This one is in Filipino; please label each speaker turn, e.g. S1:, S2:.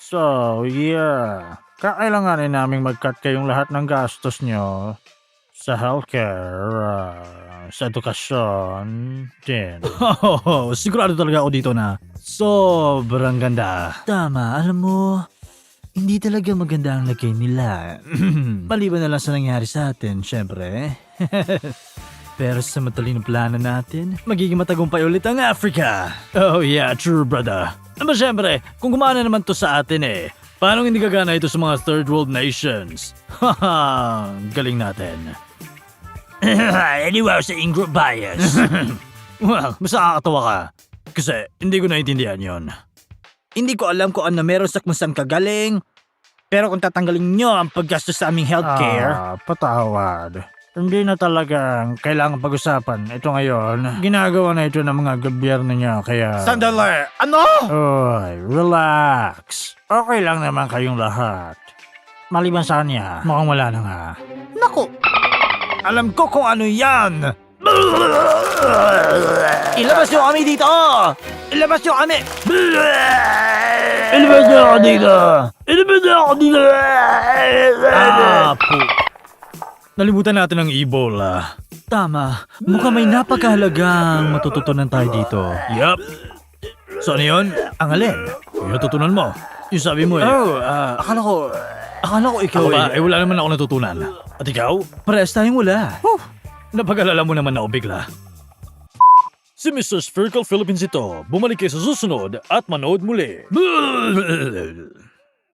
S1: So, yeah. Kakailanganin naming mag-cut kayong lahat ng gastos nyo sa healthcare, sa edukasyon, din. Sigurado talaga ako dito na sobrang ganda. Tama, alam mo, hindi talaga maganda ang lagay nila. Maliban na lang sa nangyari sa atin, syempre. Pero sa matalinong plano natin, magiging matagumpay ulit ang Africa. Oh yeah, true brother. Naman syempre, kung gumana naman to sa atin paano hindi gagana ito sa mga third world nations? Haha, galing natin. Anyway, sa in-group bias. Well, mas nakakatawa ka. Kasi hindi ko naintindihan yon. Hindi ko alam kung ano meron sa kung saan kagaling. Pero kung tatanggalin nyo ang paggastos sa aming healthcare... patawad. Hindi na talagang kailangan pag-usapan. Ito ngayon, ginagawa na ito ng mga gobyerno niya, kaya...
S2: Sandali! Ano?
S1: Oy, relax. Okay lang naman kayong lahat. Maliban sa kanya, mukhang wala na nga.
S2: Naku!
S1: Alam ko kung ano yan!
S2: Ilabas nyo kami dito! Ilabas nyo kami!
S1: Ilabas niyo ako dito! Ilabas niyo ako dito! Po. Nalimutan natin ang Ebola. Tama. Mukhang may napakahalagang matututunan tayo dito. Yup. So ano yun? Ang alin? Yung natutunan mo. Yung sabi mo akala ko ikaw ba? Wala naman ako natutunan. At ikaw? Parehas tayong wala. Napag-alala mo naman ako bigla. Si Mr. Spherical Philippines ito. Bumalik kayo sa susunod at manood muli.